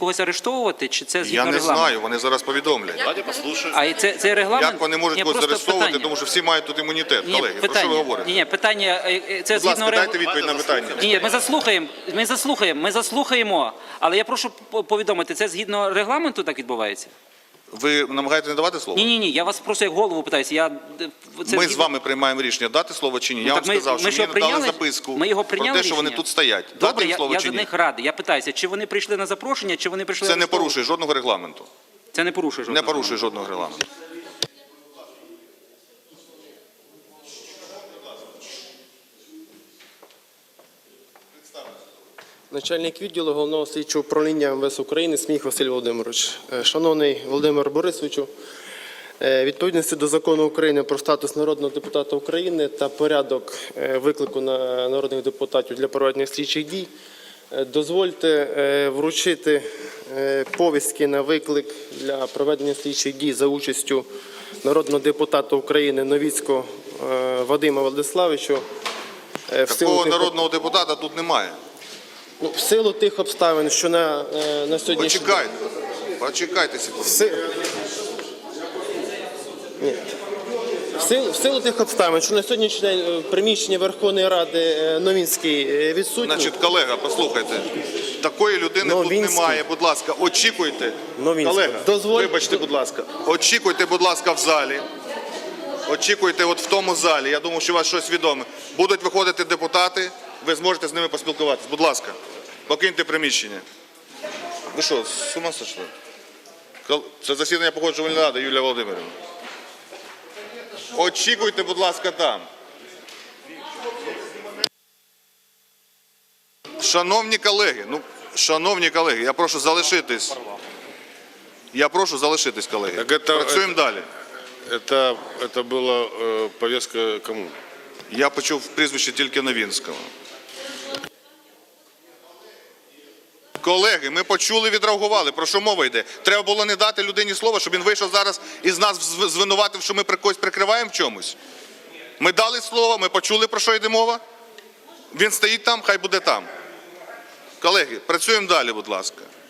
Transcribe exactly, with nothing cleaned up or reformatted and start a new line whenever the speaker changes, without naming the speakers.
когось арештовувати, чи це згідно
Я не
регламенту?
знаю, вони зараз повідомлять.
Давайте послушаем.
А і це, це регламент?
Як вони можуть
Ні,
когось
просто
заарештовувати,
питання.
тому що всі мають тут імунітет.
Ні,
Колеги, про що
питання.
ви говорите?
Ні, ні, питання, е, е, це
Будь
згідно
ласка, дайте
регламенту.
відповідь на питання.
Ні, ми заслухаємо, ми заслухаємо, ми заслухаємо, але я прошу по- повідомити, це згідно регламенту так відбувається?
Ви намагаєтесь не давати слово?
Ні, ні, ні, я вас просто як голову питаюся. Я, це
Ми
згідно-
з вами приймаємо рішення, дати слово чи ні.
Ну,
Я
так
вам
ми-
сказав,
ми
що
що,
мені дали
прийняли?
записку
Ми його
про
прийняли
те, що вони
рішення?
тут стоять.
Добре,
Дати їм
я,
слово
я
чи
за
ні?
них радий. Я питаюся, чи вони прийшли на запрошення, чи вони прийшли
Це не
арештовувати?
порушує жодного регламенту.
Це не порушує жодного.
Не порушує жодного регламенту.
Начальник відділу Головного слідчого управління ем ве ес України Сміх Василь Володимирович. Е, Шановний Володимир Борисовичу, е, відповідності до Закону України про статус народного депутата України та порядок е, виклику на народних депутатів для проведення слідчих дій, е, дозвольте е, вручити е, повістки на виклик для проведення слідчих дій за участю народного депутата України Новіцького е, Вадима Владиславовича. Е, в силу
Такого
тих-
народного депутата тут немає.
Ну, в силу тих обставин, що на, е, на сьогоднішній
Почекайте. Почекайте секунду.
В си- Ні. В силу, в силу тих обставин, що на сьогоднішній день е, приміщення Верховної Ради е, Новінський е, відсутній.
Значить, колега, послухайте. Такої людини
Новінський.
тут немає. Будь ласка, очікуйте.
Новінський.
Колега,
Дозволь-
вибачте, будь ласка. Очікуйте, будь ласка, в залі. Очікуйте от в тому залі. Я думаю, що у вас щось відоме. Будуть виходити депутати, ви зможете з ними поспілкуватися. Будь ласка, покиньте приміщення. Ви що, з ума сошли? Кол- Це засідання Погоджувальної ради, Юлія Володимирівна. Очікуйте, будь ласка, там. Шановні колеги, ну, шановні колеги, я прошу залишитись. Я прошу залишитись, колеги.
Так это-
Працюємо далі.
Это, это была э, повестка кому?
Я почув прізвище тільки Новінського. Колеги, ми почули, відреагували. Про що мова йде? Треба було не дати людині слова, щоб він вийшов зараз і з нас зв- звинуватив, що ми при когось прикриваємо в чомусь. Ми дали слово, ми почули, про що йде мова. Він стоїть там, хай буде там. Колеги, працюємо далі, будь ласка.